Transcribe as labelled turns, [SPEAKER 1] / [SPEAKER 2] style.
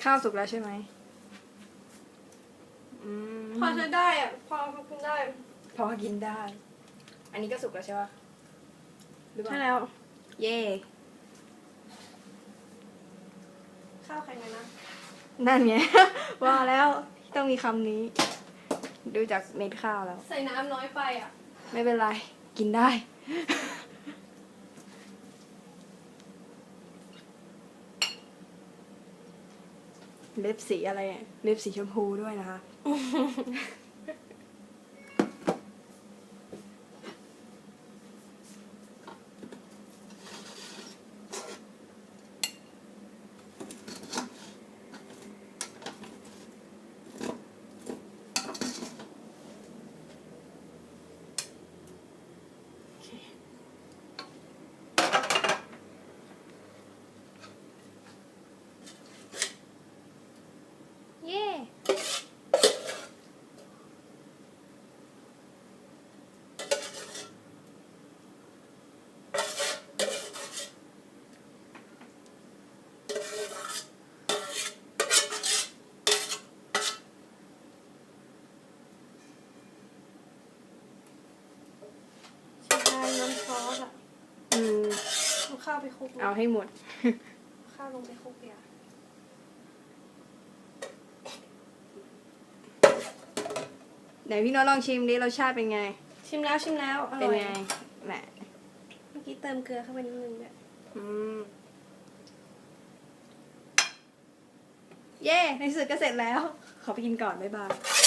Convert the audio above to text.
[SPEAKER 1] ข้าวสุกแล้วใช่ไหม
[SPEAKER 2] พอจะได้อ่ะพอกินได้
[SPEAKER 1] พอกินได้ อันนี้ก็สุกแล้วใช่ปะหรือเปล่า
[SPEAKER 2] ใช่แล้ว
[SPEAKER 1] เย่
[SPEAKER 2] ข้าวใครนะ
[SPEAKER 1] นั่นไง ว่าแล้วต้องมีคำนี้ ดูจากเม็ดข้าวแล้ว
[SPEAKER 2] ใส่น้ำน้อยไปอ่ะ
[SPEAKER 1] ไม่เป็นไร กินได้ เล็บสีอะไรอ่ะเล็บสีชมพูด้วยนะคะ เย่
[SPEAKER 2] ใช่น้ำซอสอ่ะ
[SPEAKER 1] อืม
[SPEAKER 2] เอาข้าวไปคลุก
[SPEAKER 1] เอาให้หมด
[SPEAKER 2] ข้าวลงไปคลุกเดียว
[SPEAKER 1] ไหนพี่โน้ตลองชิมดิรสชาติเป็นไง
[SPEAKER 2] ชิมแล้วอ
[SPEAKER 1] เป็น
[SPEAKER 2] ร่อย
[SPEAKER 1] ไงแหม
[SPEAKER 2] เมื่อกี้เติมเกลือเข้าไปนิดนึงด้วย
[SPEAKER 1] เย่ในที่สุดก็เสร็จแล้ว ขอไปกินก่อน บ๊ายบาย